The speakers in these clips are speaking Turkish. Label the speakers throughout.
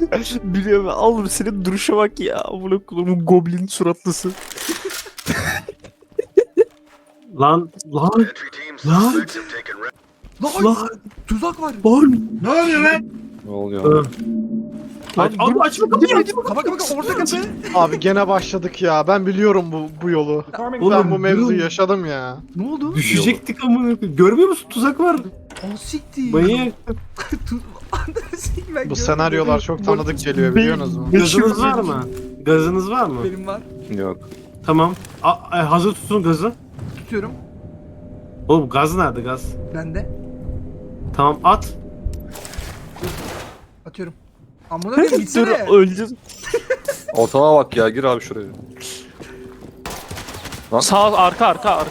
Speaker 1: Biliyorum al senin duruşa bak ya. Amına koyduğum goblin suratlısı.
Speaker 2: Lan lan lan lan
Speaker 3: Tuzak var.
Speaker 2: lan.
Speaker 4: Ne oluyor lan?
Speaker 5: Ne oluyor?
Speaker 2: Aç, abi açma kapıyı açma.
Speaker 3: Kapa orta kapı.
Speaker 4: Abi gene başladık ya. Ben biliyorum bu yolu. Ben bu
Speaker 2: Oğlum,
Speaker 4: mevzuyu
Speaker 2: durun.
Speaker 4: yaşadım ya.
Speaker 3: Ne oldu?
Speaker 2: Düşecektik amına koyayım. Görmüyor musun tuzak var.
Speaker 3: O siktir.
Speaker 2: Manyak.
Speaker 4: Bu senaryolar çok tanıdık geliyor biliyorsunuz mu?
Speaker 2: Gazınız var mı? Gazınız var mı?
Speaker 3: Benim var.
Speaker 5: Yok.
Speaker 2: Tamam. Hazır tutun gazı.
Speaker 3: Tutuyorum.
Speaker 2: Oğlum gaz nerede gaz?
Speaker 3: Ben de.
Speaker 2: Tamam at.
Speaker 3: Atıyorum. Amına koyayım
Speaker 1: Dur
Speaker 3: gitsene.
Speaker 1: öleceğiz.
Speaker 5: Ortama bak ya, gir abi şuraya.
Speaker 1: Sağ arka.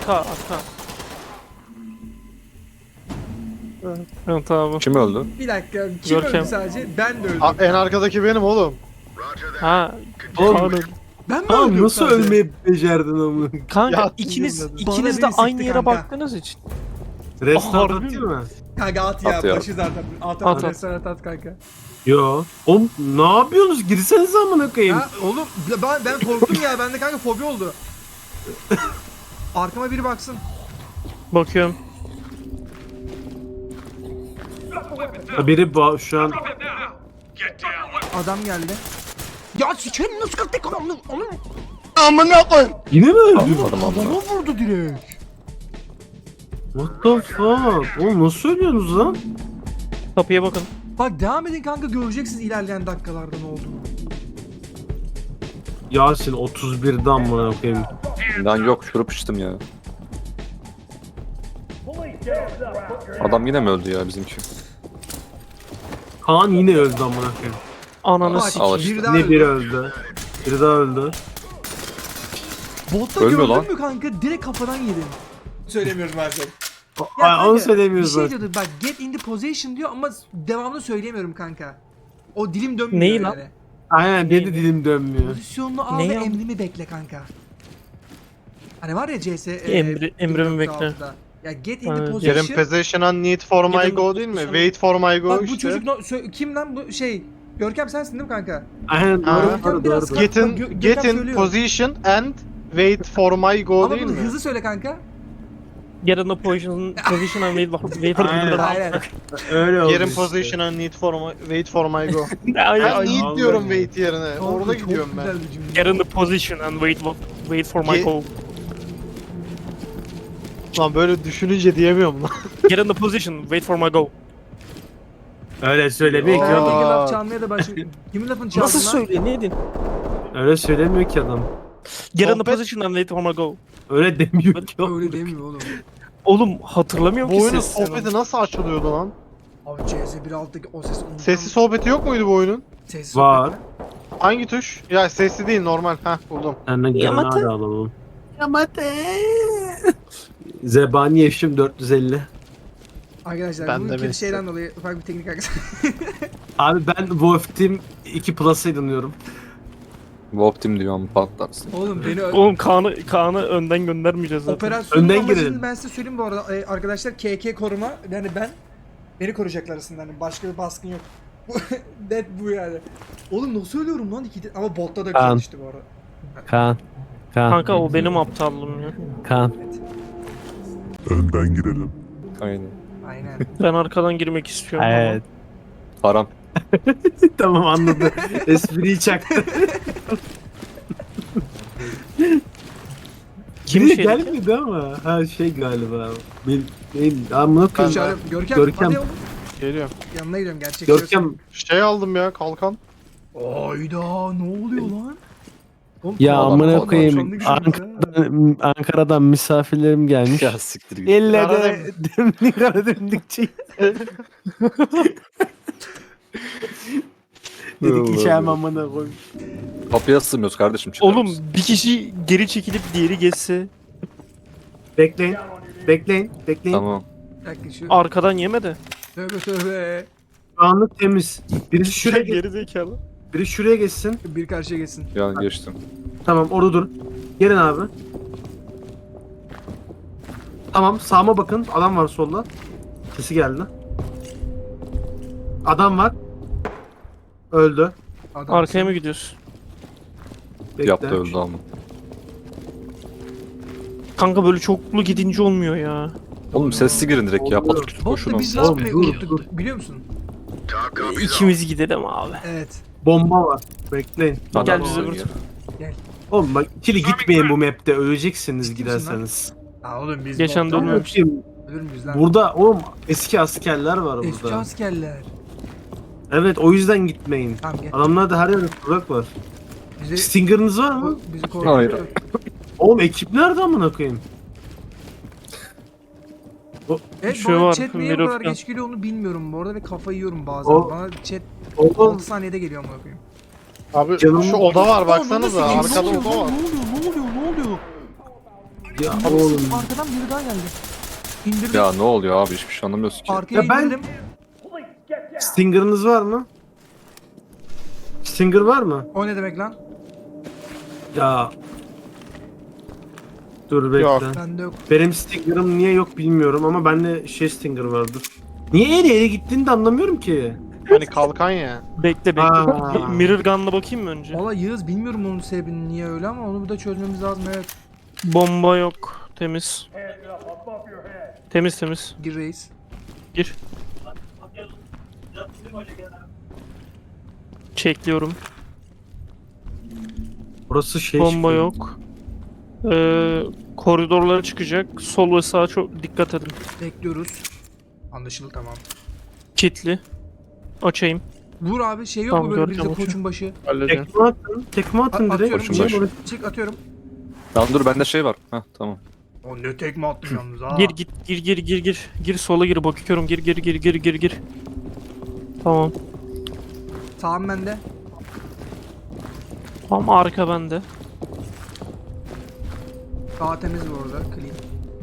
Speaker 1: Ha, tamam.
Speaker 5: Kim öldü?
Speaker 3: Bir dakika. Kim
Speaker 1: Görkem.
Speaker 3: öldü sadece? Ben de öldüm.
Speaker 4: En arkadaki benim oğlum.
Speaker 1: Ha.
Speaker 2: Oğlum,
Speaker 1: Kaan öldü.
Speaker 3: Ben mi
Speaker 2: Tamam
Speaker 3: öldüm
Speaker 2: nasıl
Speaker 3: sadece?
Speaker 2: ölmeyi becerdin amına?
Speaker 1: Kanka
Speaker 4: Ya,
Speaker 1: ikiniz
Speaker 4: bilmiyorum.
Speaker 3: Bana
Speaker 1: de
Speaker 3: biri sıktı
Speaker 1: aynı yere
Speaker 3: kanka.
Speaker 1: baktığınız için.
Speaker 2: Restart
Speaker 1: Harbi
Speaker 2: atayım mı?
Speaker 3: Kanka at ya.
Speaker 5: At ya.
Speaker 3: Başı zaten. At
Speaker 1: At.
Speaker 3: restoran at kanka.
Speaker 2: Yo. Oğlum ne yapıyorsunuz? Girsenize amına koyayım.
Speaker 3: Ha oğlum ben korktum ya. Bende kanka fobi oldu. Arkama biri baksın.
Speaker 1: Bakıyorum.
Speaker 2: Biri şu an
Speaker 3: Adam geldi. Ya sikerim nasıl kırdık onu?
Speaker 2: yine mi öldü?
Speaker 3: Bana vurdu direkt.
Speaker 2: What the fuck? Oğlum nasıl ölüyorsunuz lan?
Speaker 1: Kapıya bakın.
Speaker 3: Bak devam edin kanka göreceksiniz ilerleyen dakikalarda ne olduğunu.
Speaker 2: Yasin 31'den amına koyayım.
Speaker 5: Lan yok, şurup içtim ya. Adam yine mi öldü ya bizimki?
Speaker 2: Kaan yine öldü amına koyayım.
Speaker 1: Ananı
Speaker 3: Bak
Speaker 1: sikeyim.
Speaker 5: işte.
Speaker 3: bir daha
Speaker 2: Yine biri
Speaker 3: öldü.
Speaker 2: öldü. Biri daha öldü.
Speaker 3: Botta
Speaker 5: Ölmüyor
Speaker 3: gördün
Speaker 5: lan.
Speaker 3: mü kanka? Direkt kafadan yedin. Söylemiyorum ben sana.
Speaker 2: Ay, onu
Speaker 3: Bir
Speaker 2: söylemiyoruz
Speaker 3: şey
Speaker 2: zaten.
Speaker 3: diyordu bak get in the position diyor ama devamını söyleyemiyorum kanka. O dilim dönmüyor
Speaker 1: Neyi
Speaker 3: yani.
Speaker 1: lan?
Speaker 2: Aynen benim de dilim dönmüyor.
Speaker 3: Pozisyonunu al
Speaker 1: Neyi
Speaker 3: ve
Speaker 1: al?
Speaker 3: emrimi bekle kanka. Hani var ya CS
Speaker 1: Emrimi bekle.
Speaker 3: 1.6'da. Ya get in the
Speaker 1: Aynen.
Speaker 3: position.
Speaker 4: Yerin possession and need for my
Speaker 1: Yerin
Speaker 4: go değil mi?
Speaker 1: position-
Speaker 4: Wait for my go
Speaker 3: Bak bu
Speaker 4: işte.
Speaker 3: çocuk kim lan bu şey? Görkem sensin değil mi kanka?
Speaker 2: Aynen
Speaker 4: Ha.
Speaker 2: doğru
Speaker 3: Biraz
Speaker 2: doğru.
Speaker 4: Get in,
Speaker 3: Bak, Gökhan
Speaker 4: get in
Speaker 3: söylüyor.
Speaker 4: position and wait for my go
Speaker 3: Ama
Speaker 4: değil
Speaker 3: bunu
Speaker 4: mi?
Speaker 3: hızlı söyle kanka.
Speaker 1: Get in the position and wait for
Speaker 2: Aynen.
Speaker 3: Aynen.
Speaker 2: Öyle oldu.
Speaker 4: Yerin
Speaker 2: işte.
Speaker 4: position and need for my, wait for my go.
Speaker 1: Ay,
Speaker 4: Ben
Speaker 1: ay.
Speaker 4: need
Speaker 2: Vallahi.
Speaker 4: diyorum wait yerine.
Speaker 3: Kanka,
Speaker 4: Orada
Speaker 3: çok
Speaker 4: gidiyorum ben.
Speaker 3: güzel bir cümle.
Speaker 1: Get in the position and wait for my
Speaker 4: Ge-
Speaker 1: call.
Speaker 4: Lan böyle düşününce diyemiyorum lan.
Speaker 1: Get in the position, wait for my go.
Speaker 2: Öyle söylemiyor ki
Speaker 4: Aa.
Speaker 2: oğlum.
Speaker 3: Peki laf çalmaya da başlıyor. Kimin lafını çaldın
Speaker 1: Nasıl
Speaker 3: lan?
Speaker 1: söylüyor? Ne edin?
Speaker 2: Öyle söylemiyor ki adam.
Speaker 1: Get in the
Speaker 4: Sohbet-
Speaker 1: position and wait for my go.
Speaker 2: Öyle demiyor ki oğlum.
Speaker 3: Öyle demiyor oğlum.
Speaker 1: Oğlum hatırlamıyorum
Speaker 4: Bu
Speaker 1: ki
Speaker 4: oyunun
Speaker 1: sesini.
Speaker 4: sohbeti nasıl açılıyordu lan?
Speaker 3: Abi CS 1.6'daki o ses unutamam.
Speaker 4: Sesli sohbeti yok muydu bu oyunun?
Speaker 3: Sessiz
Speaker 2: Var.
Speaker 3: sohbet mi?
Speaker 4: Hangi tuş? Ya sesli değil normal. Heh buldum.
Speaker 2: Senden
Speaker 1: Yamate.
Speaker 2: granada alalım. Yamate. Zebani yaşım 450.
Speaker 3: Arkadaşlar
Speaker 4: Ben
Speaker 3: bu
Speaker 4: de
Speaker 3: kötü
Speaker 4: mesela.
Speaker 3: şeyden dolayı ufak bir teknik arkadaşlar.
Speaker 2: Abi ben Wolf Team 2 Plus'a inanıyorum.
Speaker 5: Wolf Team diyor ama patlarsın.
Speaker 3: Oğlum beni
Speaker 1: Oğlum Kaan'ı önden göndermeyeceğiz zaten.
Speaker 3: operasyonun
Speaker 2: Önden
Speaker 3: amacını
Speaker 2: girelim.
Speaker 3: ben size söyleyeyim bu arada arkadaşlar KK koruma yani beni koruyacaklar aslında hani başka bir baskın yok. Net bu yani. Oğlum nasıl ölüyorum lan ama botta da
Speaker 2: Kaan.
Speaker 3: güzel işte bu arada.
Speaker 2: Kaan.
Speaker 1: Kanka o benim aptallığım ya.
Speaker 2: Kaan.
Speaker 6: Önden girelim.
Speaker 5: Aynen.
Speaker 3: Aynen.
Speaker 1: Ben arkadan girmek istiyorum
Speaker 2: Evet.
Speaker 5: Haram.
Speaker 2: Tamam anladım. Espriyi çaktı.
Speaker 1: Kim
Speaker 2: Biri
Speaker 1: şey-
Speaker 2: gelmedi ama. Ha şey galiba. Benim amına koyayım.
Speaker 3: Çağrı, Görkem,
Speaker 2: Görkem.
Speaker 3: hadi oğlum.
Speaker 4: Geliyor.
Speaker 3: Yanına gidiyorum gerçek.
Speaker 2: Görkem
Speaker 4: Şey aldım ya kalkan.
Speaker 3: Ayda ne oluyor lan? Oğlum,
Speaker 2: ya
Speaker 3: Allah
Speaker 2: amına
Speaker 3: Allah,
Speaker 2: koyayım
Speaker 3: canlı güzel
Speaker 2: Ankara'dan misafirlerim gelmiş.
Speaker 5: Ya siktir git.
Speaker 2: Elle
Speaker 4: Kara
Speaker 2: de demlik ara demlikçi. Dedik içerim amına koyayım.
Speaker 5: Kapıya sığmıyoruz kardeşim, çıkar
Speaker 1: Oğlum
Speaker 5: mısın?
Speaker 1: bir kişi geri çekilip diğeri geçse
Speaker 2: Bekleyin. Bekleyin. Bekleyin.
Speaker 5: Tamam.
Speaker 3: Bir dakika şu.
Speaker 1: arkadan yemedi.
Speaker 3: Tövbe tövbe.
Speaker 2: Şu anlık temiz. Birisi şuraya,
Speaker 1: Geri zekalı.
Speaker 2: biri şuraya geçsin.
Speaker 3: Bir karşıya geçsin.
Speaker 5: Ya geçtim.
Speaker 2: Tamam orada dur. Gelin abi. Tamam sağıma bakın. Adam var solda. Sesi geldi. Adam var. Öldü.
Speaker 3: Adamsın.
Speaker 1: Arkaya mı gidiyorsun?
Speaker 2: Bekle.
Speaker 5: Yaptı öldü ama.
Speaker 1: Kanka böyle çoklu gidince olmuyor ya.
Speaker 5: Oğlum sessiz girin direkt ya.
Speaker 2: Oluyor.
Speaker 5: Patır kütür
Speaker 3: Bot
Speaker 5: koşun
Speaker 3: da
Speaker 5: oğlum.
Speaker 3: biz
Speaker 2: Oğlum,
Speaker 3: last play
Speaker 2: dur,
Speaker 3: unuttuk
Speaker 2: dur.
Speaker 3: biliyor musun?
Speaker 1: İkimiz gidelim abi.
Speaker 3: Evet.
Speaker 2: Bomba var. Bekleyin.
Speaker 5: Adam
Speaker 1: Gel bize
Speaker 5: oynuyor.
Speaker 1: burada.
Speaker 2: Oğlum bak ikili gitmeyin bu map'te öleceksiniz
Speaker 3: Ciddi misin
Speaker 2: giderseniz.
Speaker 3: Aa oğlum biz
Speaker 1: Geçen
Speaker 3: bottan
Speaker 1: dönüyormuş.
Speaker 2: Bakayım,
Speaker 3: ölür müyüz lan?
Speaker 2: burada oğlum eski askerler var
Speaker 3: Eski
Speaker 2: burada.
Speaker 3: askerler.
Speaker 2: Evet o yüzden gitmeyin.
Speaker 3: Tamam gel.
Speaker 2: Adamlarda her yerde tuzak var.
Speaker 3: Bizi,
Speaker 2: Stinger'ınız var mı?
Speaker 3: bizi
Speaker 5: Hayır.
Speaker 3: korkutuyor.
Speaker 2: Oğlum ekip nerede amına koyayım?
Speaker 3: Evet
Speaker 1: Şu
Speaker 3: bana
Speaker 1: var,
Speaker 3: chat niye bu
Speaker 1: Mirror
Speaker 3: kadar
Speaker 1: Gun.
Speaker 3: geç geliyor onu bilmiyorum bu arada ve kafayı yiyorum bazen.
Speaker 2: O-
Speaker 3: Bana chat
Speaker 2: Oğlum
Speaker 3: 6 saniyede geliyor amına koyayım.
Speaker 4: Abi
Speaker 2: Canım-
Speaker 4: şu oda var
Speaker 3: Aa,
Speaker 4: baksanıza.
Speaker 3: nasıl-
Speaker 4: Arkada
Speaker 3: ne
Speaker 4: oda
Speaker 3: oluyor,
Speaker 4: var.
Speaker 3: ne oluyor ne oluyor?
Speaker 2: ya oğlum.
Speaker 3: Arkadan biri daha geldi. İndirdim.
Speaker 5: Ya ne oluyor abi hiçbir şey anlamıyorsun ki.
Speaker 3: Arkaya
Speaker 2: Ya ben-
Speaker 3: indirdim.
Speaker 2: Stinger'ınız var mı? Stinger var mı?
Speaker 3: O ne demek lan?
Speaker 2: Ya. Dur bekle.
Speaker 4: Yok.
Speaker 3: Bende yok.
Speaker 2: Benim Stinger'ım niye yok bilmiyorum ama bende Stinger vardır. Niye ele gittiğini de anlamıyorum ki.
Speaker 4: Hani kalkan ya.
Speaker 1: Bekle bekle.
Speaker 2: Aa.
Speaker 1: Bir Mirror Gun'la bakayım mı önce?
Speaker 3: Valla Yağız bilmiyorum onun sebebini niye öyle ama onu da çözmemiz lazım evet.
Speaker 1: Bomba yok. Temiz. Temiz temiz.
Speaker 3: Gir reis.
Speaker 1: Gir. Çekliyorum.
Speaker 2: Burası
Speaker 1: Bomba
Speaker 2: çıkıyor.
Speaker 1: yok. Koridorlara çıkacak. Sol ve sağa çok dikkat edin.
Speaker 3: Bekliyoruz. Anlaşıldı tamam.
Speaker 1: Kitli. Açayım.
Speaker 3: Vur abi şey yok
Speaker 1: Tamam,
Speaker 3: mu böyle
Speaker 1: göreceğim
Speaker 3: bizde
Speaker 1: onu.
Speaker 3: koçun başı?
Speaker 1: Halledeceğim.
Speaker 2: Tekme atın. Tekme atın direkt.
Speaker 3: Atıyorum
Speaker 5: Koçun başı.
Speaker 3: çık. Çık atıyorum.
Speaker 5: Tamam dur bende şey var. Heh tamam.
Speaker 3: O ne tekme attın yalnız ha.
Speaker 1: Gir git gir. Gir sola gir bakıyorum. Gir. Tamam.
Speaker 3: Sağım bende.
Speaker 1: Tamam arka bende.
Speaker 3: Sağ temiz bu arada. Clean.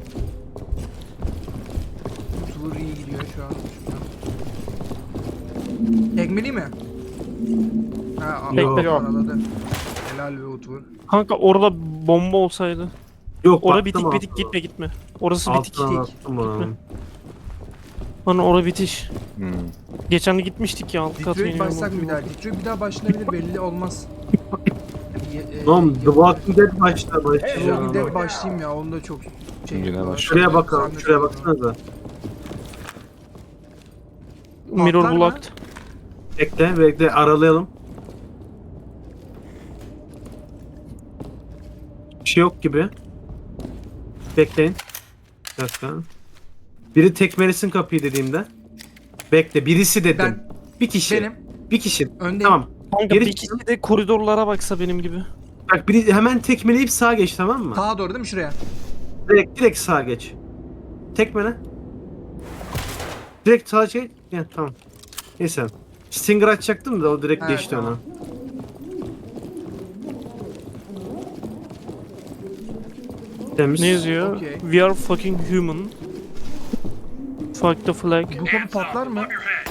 Speaker 3: Utvur iyi gidiyor şu an. Tekmeli mi? Ha,
Speaker 1: Tekmeli.
Speaker 3: yok. Araladı. Helal ve Utvur.
Speaker 1: Kanka orada bomba olsaydı.
Speaker 2: Yok
Speaker 1: Orada
Speaker 2: baktım
Speaker 1: bitik
Speaker 2: altına.
Speaker 1: gitme. Orası bitik.
Speaker 2: Altına attım onu.
Speaker 1: Hani orada bitiş.
Speaker 5: Hmm.
Speaker 1: Geçen de gitmiştik ya alt kat
Speaker 3: Detroit
Speaker 1: minimum.
Speaker 3: başsak mı bir daha? Detroit bir daha başlanabilir belli olmaz.
Speaker 2: Oğlum The Walking Dead başta başlayacağım.
Speaker 3: Bir de başlayayım ya onda çok şey.
Speaker 5: Yine
Speaker 3: yapıyorlar.
Speaker 5: baş.
Speaker 2: Şuraya bakalım.
Speaker 3: Zahmet
Speaker 2: Şuraya
Speaker 3: yapıyorlar.
Speaker 2: baksanıza.
Speaker 1: Mirror
Speaker 3: Patlar mı?
Speaker 1: blocked.
Speaker 2: Bekle aralayalım. Bir şey yok gibi. Bekleyin. Bir dakika. Biri tekmelesin kapıyı dediğimde. Bekle birisi dedim.
Speaker 3: Ben
Speaker 2: Bir kişi.
Speaker 3: benim
Speaker 2: Bir kişi.
Speaker 3: öndeyim.
Speaker 2: Tamam.
Speaker 1: Kanka
Speaker 2: Geri
Speaker 1: bir kişi de koridorlara baksa benim gibi.
Speaker 2: Bak biri hemen tekmeleyip sağa geç tamam mı?
Speaker 3: Sağa doğru değil mi şuraya?
Speaker 2: Direkt sağa geç. Tekmele. Direkt sağa çek. Ya tamam. Neyse. Stinger açacaktım da o direkt
Speaker 3: Evet,
Speaker 2: geçti
Speaker 3: tamam.
Speaker 2: ona. Temiz.
Speaker 1: Ne yazıyor?
Speaker 3: Okey.
Speaker 1: We are fucking human. Fuck the flag.
Speaker 3: Bu kapı patlar mı?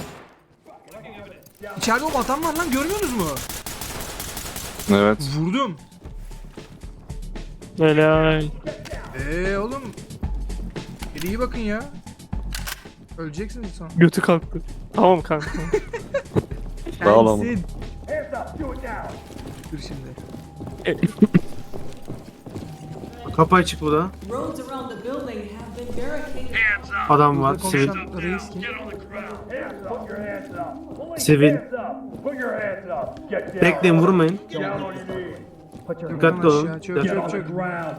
Speaker 3: İçeride o atan var lan görmüyorsunuz mu?
Speaker 5: Evet.
Speaker 3: Vurdum.
Speaker 1: Helal.
Speaker 3: Oğlum. Bir iyi bakın ya. Öleceksiniz sonra.
Speaker 1: Götü kalktı. Tamam kanka.
Speaker 5: Sağ ol ama.
Speaker 3: Gelsin. Dur şimdi.
Speaker 2: Kapı açık bu da.
Speaker 6: Roads around the building have been barricaded.
Speaker 2: Adam var.
Speaker 3: Burada
Speaker 2: Sivil.
Speaker 3: konuşan reis kim?
Speaker 2: Sivil. Bekleyin vurmayın. Dikkatli olun.
Speaker 3: Aşağı, çök çök çök.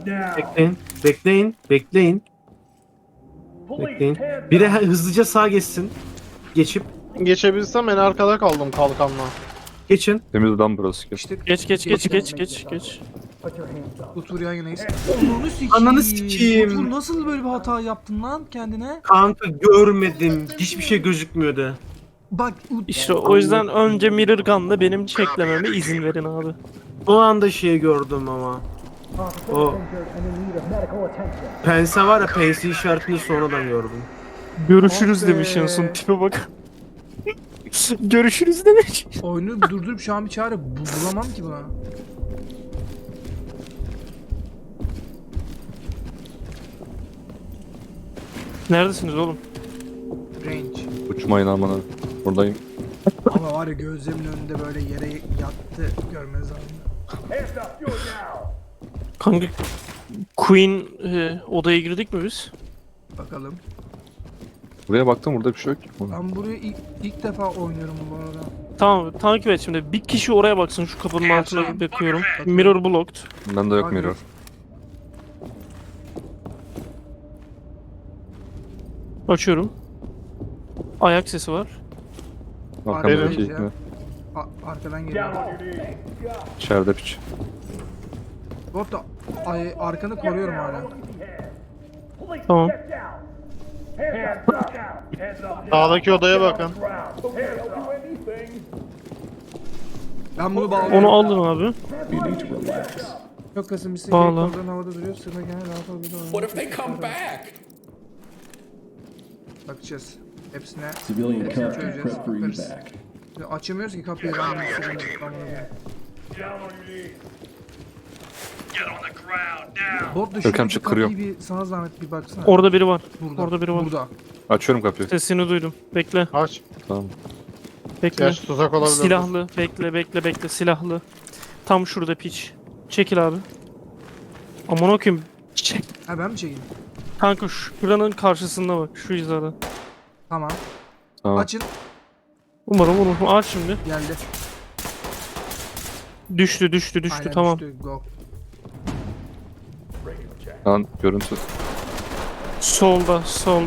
Speaker 2: Bekleyin. Biri hızlıca sağa geçsin. Geçip.
Speaker 4: Geçebilsem en arkada kaldım kalkanla.
Speaker 2: Geçin.
Speaker 5: Temiz lan burası. Geç.
Speaker 3: İşte
Speaker 1: Geç.
Speaker 3: Utur yan yanayız. Ananı sikeyim.
Speaker 2: Ananı sikeyim.
Speaker 3: Utur nasıl böyle bir hata yaptın lan kendine?
Speaker 2: Kanka görmedim. Hiçbir şey gözükmüyordu.
Speaker 3: Bak
Speaker 1: İşte o yüzden önce Mirror Gun'la benim çeklememe izin verin abi.
Speaker 2: O anda şeyi gördüm ama. O pense var ya pense işaretini sonradan gördüm.
Speaker 1: Görüşürüz
Speaker 3: Ah be.
Speaker 1: demiş en son tipe bak. Görüşürüz demiş.
Speaker 3: oyunu durdurup şu an bir çare bulamam ki buna.
Speaker 1: Neredesiniz oğlum?
Speaker 3: Range.
Speaker 5: Uçmayın amına. Buradayım.
Speaker 3: Ama var ya gözlerimin önünde böyle yere yattı görmeniz lazım.
Speaker 1: Kanka Queen odaya girdik mi biz?
Speaker 3: Bakalım.
Speaker 5: Buraya baktım burada bir şey yok ki.
Speaker 3: Ben buraya ilk defa oynuyorum bu arada.
Speaker 1: Tamam takip et şimdi. Bir kişi oraya baksın şu kapının altına bakıyorum. Mirror blocked.
Speaker 5: Bende yok
Speaker 3: Hadi.
Speaker 5: mirror.
Speaker 1: Açıyorum. Ayak sesi var.
Speaker 5: Arkamdaki
Speaker 3: Verin.
Speaker 5: ilk mi?
Speaker 3: Arkadan geliyor.
Speaker 5: İçeride piç.
Speaker 3: Bot da arkanı koruyorum hala.
Speaker 1: Tamam.
Speaker 4: Sağdaki odaya bakın.
Speaker 3: Ben bunu bağlıyorum.
Speaker 1: Onu aldın abi.
Speaker 3: Çok kasım bir
Speaker 1: Bağla.
Speaker 3: oradan havada duruyor. Sırma gene daha fazla bir
Speaker 7: What if they come back?
Speaker 3: Bakacağız. Hepsine.
Speaker 7: Civilian
Speaker 3: Hepsini
Speaker 7: character
Speaker 3: çözeceğiz.
Speaker 7: prep for
Speaker 3: Bakarız.
Speaker 7: evac.
Speaker 3: Açamıyoruz ki kapıyı. Ben bir sürü Bot da
Speaker 5: Görkem
Speaker 3: şuradaki
Speaker 5: çık, kırıyor.
Speaker 3: kapıyı bir sana zahmet bir baksana.
Speaker 1: Orada biri var.
Speaker 3: Burada.
Speaker 1: Orada biri var.
Speaker 3: Burada.
Speaker 5: Açıyorum kapıyı.
Speaker 1: Sesini duydum. Bekle.
Speaker 4: Aç.
Speaker 5: Tamam.
Speaker 1: Bekle.
Speaker 4: Gerçi tuzak olabilir.
Speaker 1: Silahlı. Bekle. Silahlı. Tam şurada piç. Çekil abi. Aman okuyayım. Çek.
Speaker 3: Ha ben mi çekeyim?
Speaker 1: Kanka şuranın karşısında bak. Şu hizada.
Speaker 3: Tamam.
Speaker 5: Tamam.
Speaker 3: Açın.
Speaker 1: Umarım. Aç şimdi.
Speaker 3: Geldi.
Speaker 1: Düştü.
Speaker 3: Aynen
Speaker 1: Tamam.
Speaker 3: düştü. Go.
Speaker 5: Lan görüntü.
Speaker 1: Solda.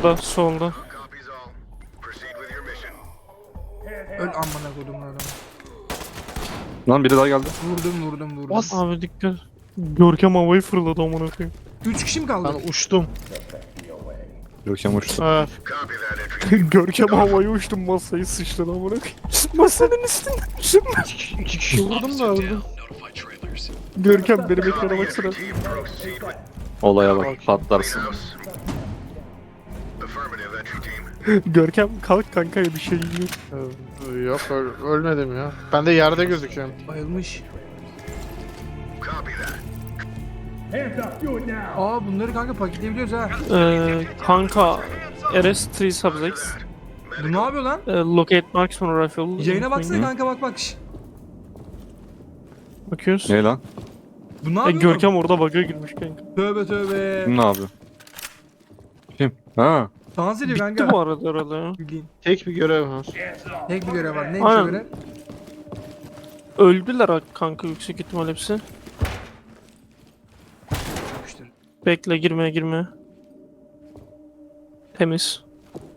Speaker 3: Öl amına kodum adamı.
Speaker 5: Lan biri daha geldi.
Speaker 3: Vurdum.
Speaker 4: Bas.
Speaker 1: Abi dikkat. Görkem havayı fırladı aman okuyayım.
Speaker 3: 3 kişi mi kaldı?
Speaker 4: Ben uçtum.
Speaker 5: Görkem uçtu.
Speaker 4: Evet.
Speaker 1: Görkem havayı uçtum masayı sıçtın aman okuyayım. Masanın üstünde.
Speaker 4: İki kişi vurdum da öldüm.
Speaker 1: Görkem benim ekrana baksana.
Speaker 5: Olaya bak patlarsın.
Speaker 1: Görkem kalk kanka bir şey yiyor.
Speaker 4: Yok ölmedim ya. Ben de yerde gözüküyorum.
Speaker 3: Bayılmış. Aa bunları kanka paketleyebiliyoruz ha.
Speaker 1: Kanka RS3 subjects.
Speaker 3: Bu ne yapıyor lan?
Speaker 1: Locate marksman rifle.
Speaker 3: Yayına baksana kanka bak. Şş.
Speaker 1: Bakıyoruz.
Speaker 5: Ne lan?
Speaker 3: Bu ne yapıyor?
Speaker 1: Görkem orada bug'a girmiş kanka.
Speaker 3: Tövbe.
Speaker 5: Kim ne yapıyor? Kim? Ha.
Speaker 3: Dans ediyor
Speaker 1: Bitti
Speaker 3: kanka.
Speaker 1: bu arada herhalde ya.
Speaker 3: Bildiğin.
Speaker 4: Tek bir görev var.
Speaker 3: Tek bir görev var. Neymiş o
Speaker 1: Aynen.
Speaker 3: görev?
Speaker 1: Öldüler kanka yüksek ihtimal hepsi.
Speaker 3: Yapıştır.
Speaker 1: Bekle girme. Temiz.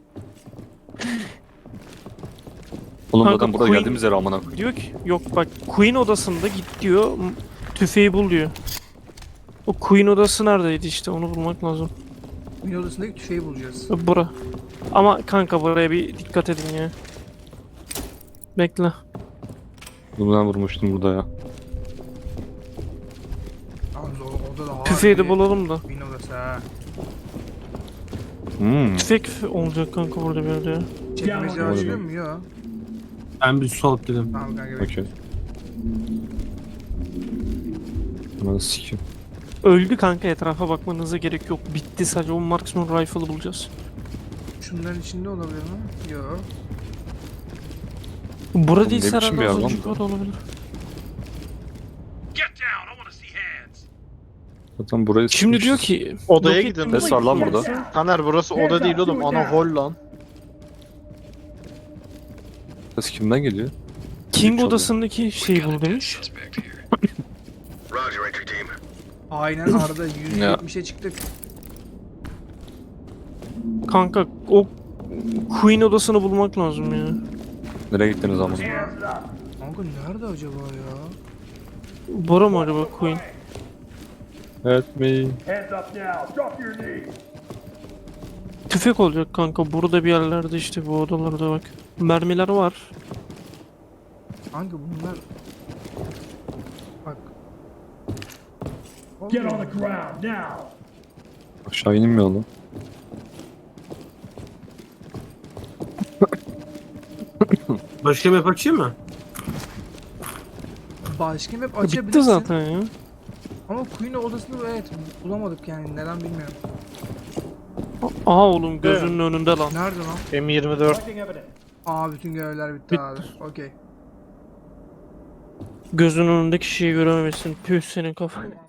Speaker 5: Oğlum
Speaker 1: Kanka,
Speaker 5: zaten burada
Speaker 1: Queen-
Speaker 5: geldiğimiz yer amına koyayım.
Speaker 1: Diyor ki yok bak Queen odasında git diyor. Tüfeği bul diyor. O Queen odası neredeydi işte onu bulmak lazım.
Speaker 3: Oyun odasındaki tüfeği bulacağız.
Speaker 1: Bura. Ama kanka buraya bir dikkat edin ya. Bekle.
Speaker 5: Bunu ben vurmuştum burada ya.
Speaker 3: Yalnız orada da
Speaker 1: Tüfeği de bulalım da.
Speaker 3: Oyun odası ha.
Speaker 1: Tüfek olacak kanka burada bir yerde ya.
Speaker 3: Çekmece açılıyor mu? Yok.
Speaker 2: Ben bir sol dedim.
Speaker 3: Tamam kanka.
Speaker 5: Okey. Aman sikim.
Speaker 1: Öldü kanka etrafa bakmanıza gerek yok. Bitti sadece o marksman rifle'ı bulacağız.
Speaker 3: Şunların içinde olabilir mi? Yok.
Speaker 1: Bura
Speaker 5: Oğlum
Speaker 1: değilse
Speaker 5: ne biçim bir
Speaker 1: herhalde
Speaker 5: yer
Speaker 1: az
Speaker 5: lan
Speaker 1: önce
Speaker 5: bu?
Speaker 1: burada olabilir.
Speaker 5: Zaten burayı
Speaker 1: Şimdi diyor
Speaker 5: sıkmışız.
Speaker 1: ki
Speaker 4: Odaya
Speaker 1: roket
Speaker 4: gidin.
Speaker 5: Ses var lan burada.
Speaker 4: Taner burası oda değil oğlum. Ana hol lan.
Speaker 5: Ses kimden geliyor?
Speaker 1: King
Speaker 5: Üç
Speaker 1: odasındaki şeyi bul demiş.
Speaker 3: Aynen Arda 170'e çıktık.
Speaker 1: Kanka o Queen odasını bulmak lazım ya.
Speaker 5: Nereye gittiniz amına?
Speaker 3: Kanka nerede acaba ya?
Speaker 1: Bora mı acaba Queen?
Speaker 5: Evet me.
Speaker 1: Tüfek olacak kanka burada bir yerlerde işte bu odalarda bak. Mermiler var.
Speaker 3: Kanka bunlar... Bak.
Speaker 7: Get on the ground now.
Speaker 5: Aşağı inmiyor lan.
Speaker 2: Başka map açayım mı?
Speaker 3: Başka map
Speaker 1: Bitti
Speaker 3: açabilirsin.
Speaker 1: zaten ya.
Speaker 3: Ama Queen odasını evet bulamadık yani neden bilmiyorum.
Speaker 1: Aha oğlum gözünün önünde lan.
Speaker 3: Nerede lan?
Speaker 4: M24.
Speaker 3: Aa bütün görevler bitti abi. Okey.
Speaker 1: Gözünün önündeki şeyi görememişsin. Püh senin kafan.